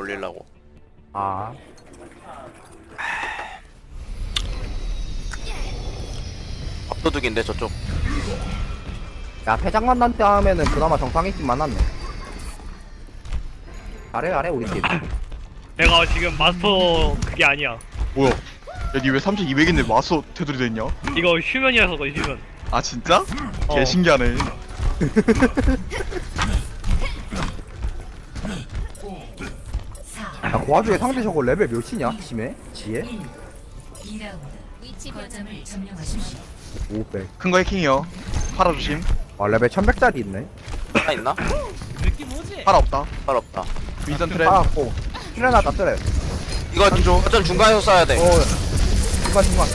올리려고. 아 밥도둑인데 저쪽. 야 패장만난테 하면은 그나마 정상이긴 만났네. 잘해 우리 팀. 내가 지금 마스터 그게 아니야. 뭐야? 야, 니 왜 3200인데 마스터 테두리 됐냐? 이거 휴면이라서 그래 휴면. 아, 진짜? 어. 개 신기하네. 야 그 와중에 상대 저거 레벨 몇이냐? 심해? 지혜? 2라운드 거점을 점령하십시오. 500. 큰 거 해킹이요. 파라 조심. 아 레벨 1100짜리 있네. 하나 있나? 파라 없다. 발 없다. 윈선 트랩. 알았고 트레나다 트레. 이거 한조. 거점 중간에서 쏴야 돼. 중간.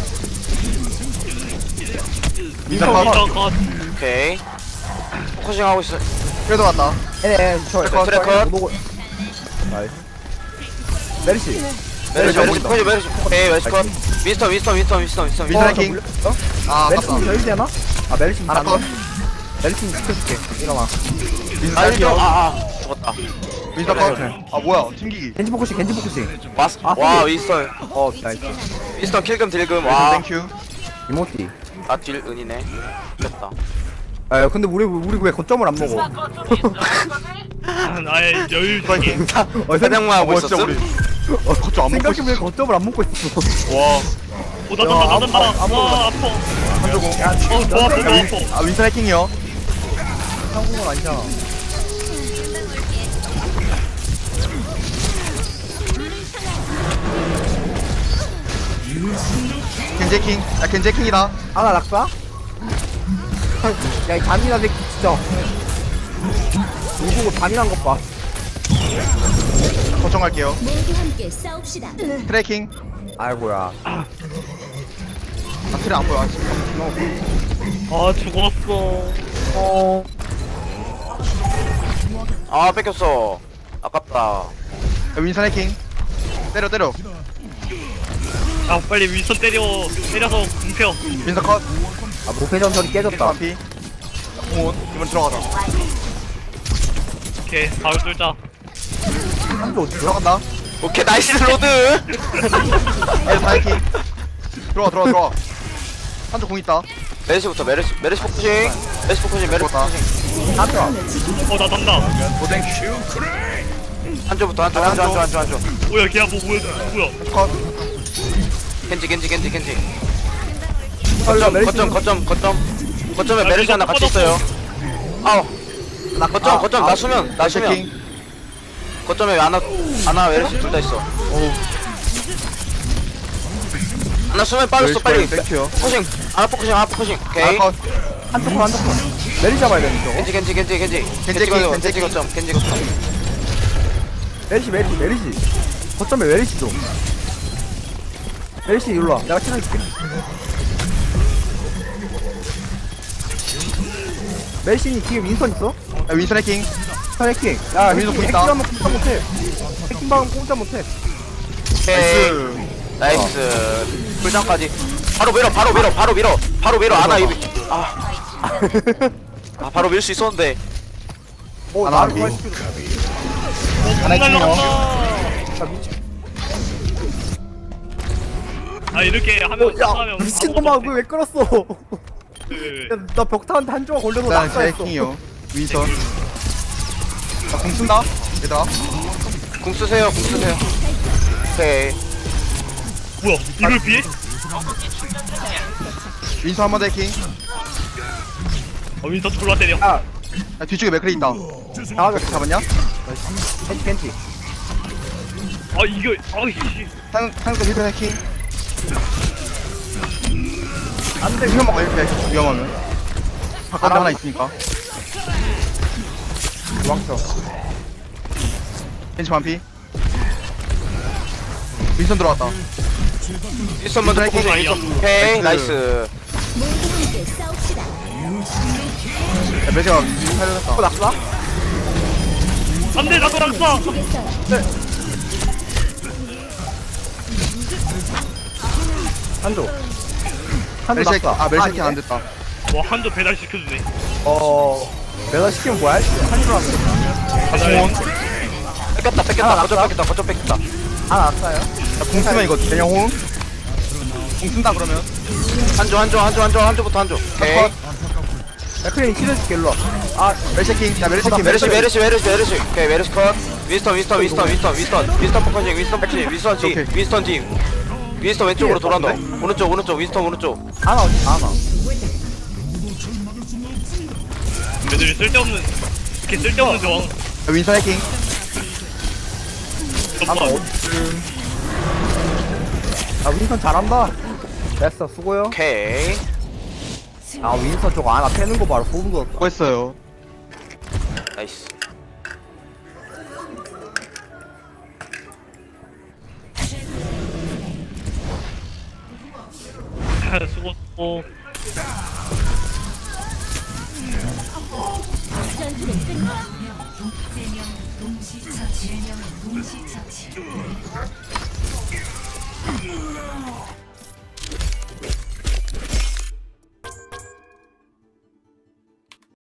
윈선 컷. 어, 컷. 오케이. 포커싱 하고 있어. 그래도 왔다. 저 트레컷. 나이스. 메리시. 메르시 안 메르시 보인다. 메르시 메르시. 오케이 메르시 컷. 윈스턴. 윈선 해킹. 아, 메리시 아깝다. 저일 되나? 아 메리시 하나 컷. 메리시 지켜줄게. 일어나. 윈선 아 할게요. 죽었다. 윈선 컷. 아, 뭐야? 튕기기. 겐지 포커싱. 마스. 아, 와 근데- 윈스턴. 나이스. 윈스턴 킬금 딜금. 윈선 와. 땡큐. 이모티. 나딜 은이네. 됐다. 아 근데 우리 왜 거점을 안 먹어? 나의 여유지게. 사냥만 하고 진짜 있었음? 우리. 거점 안 먹고 생각해보면 있어. 거점을 안 먹고 있어. 와. 오다다다다다. 와 아파. 한조공. 더 아파. 아, 윈선 해킹이요. 한국은 아니잖아. 겐지 해킹. 야, 겐지 해킹이다. 하나 낙사? 야이 잔인한 새끼 진짜. 누구고 잔인한 것 봐. 거정할게요. 모두 함께 싸웁시다. 트래킹. 아이고야. 아, 트레 안 보여. 아, 지금. 아 죽었어. 아 뺏겼어. 아깝다. 야, 윈선 해킹. 때려. 아 빨리 윈스턴 때려서 궁펴. 윈선 컷. 아 무패 전설이 깨졌다. 반피. 공원. 이번 들어가자. 오케이 바로 뚫자. 한조 어디 들어간다. 오케이 나이스 로드. 아, 다 해킹. 들어와. 한쪽 공 있다. 메르시부터 메르시 포커싱. 메르시 포커싱. 죽었다. 한조. 어나 난다. 고생. 한조부터 한조. 뭐야 걔야 뭐야. 컷. 겐지. 헐라 메리시. 거점에 메르시 하나 같이 있어요. 아우. 나 거점 나 수면. 해킹. 거점에 아나 메르시 둘 다 있어. 아나 수면 빠졌어 빨리. 땡큐요. 포커싱. 아나 포커싱. 오케이. 컷. 한조 메리 잡아야 되는 저거. 겐지 거점. 메리시. 거점에 메리시 좀. 메리시 일로 와. 내가 치러줄게. 메리시니 뒤에 윈선 있어? 야, 윈선 해킹. 해킹. 야 윈선 공 있다. 해킹하면 공짜 못해. 해킹방은 공짜 못해. 오케이. 나이스. 나이스. 불장까지. 바로 밀어. 아나 이비. 바로 밀 수 있었는데. 오 하나 나를 위. 구할 수 하나 해킹이요. 있다. 아 이렇게 하면 야 미친놈아 왜 끌었어? 그 나 벽타한테 한 조각 걸려서 일단 제 낙사했어. 해킹이요. 윈선. 나공 쓴다. 얘들아. 궁 쓰세요. 오케이. 뭐야 이걸 피해? 윈선 한번 더 해킹. 윈스턴 졸라 때려. 야 야, 뒤쪽에 맥클이 있다. 나가자. 잡았냐? 겐지. 아 이거 아이씨. 상대 힐드 해킹. 안돼. 이거 먹어 이렇게 위험하면. 바깥에 하나 있으니까. 도망쳐. 벤치 반피. 윈선 들어왔다. 윈스턴 먼저 포커싱. 오케이. 나이스. 모두 함께 싸웁시다. 야, 매제가 살려줬다. 낙사? 안돼 나도 낙사. 되겠어요. 한조. 멜시 해킹. 낙사. 아, 멜시 해킹 안 됐다. 와 한조 배달 시켜주네. 내가 시키면 뭐야? 한조 하면 돼. 배달. 뺏겼다 거점 뺏겼다 안 왔어요. 공 쓰면 이거 그냥 호응? 공 쓴다 그러면 한조부터 한조 오케이 맥클린 치료해줄게, 일로 와. 아, 멜시킹 자 멜시킹 메르시 오케이 메르시 컷 윈스턴 포커싱 윈스턴 뒤 윈스턴 왼쪽으로 돌아온다 오른쪽 윈스턴 안 와, 안 와. 애들이 쓸데없는 이렇게 쓸데없는 저항 윈서 해킹 잠깐만 아, 윈선 잘한다. 됐어, 수고요. 오케이 아, 윈선 저거 하나 패는 거 바로 소름 돋았다. 수고했어요 나이스 수고 전투는 끝나. 동시 처치.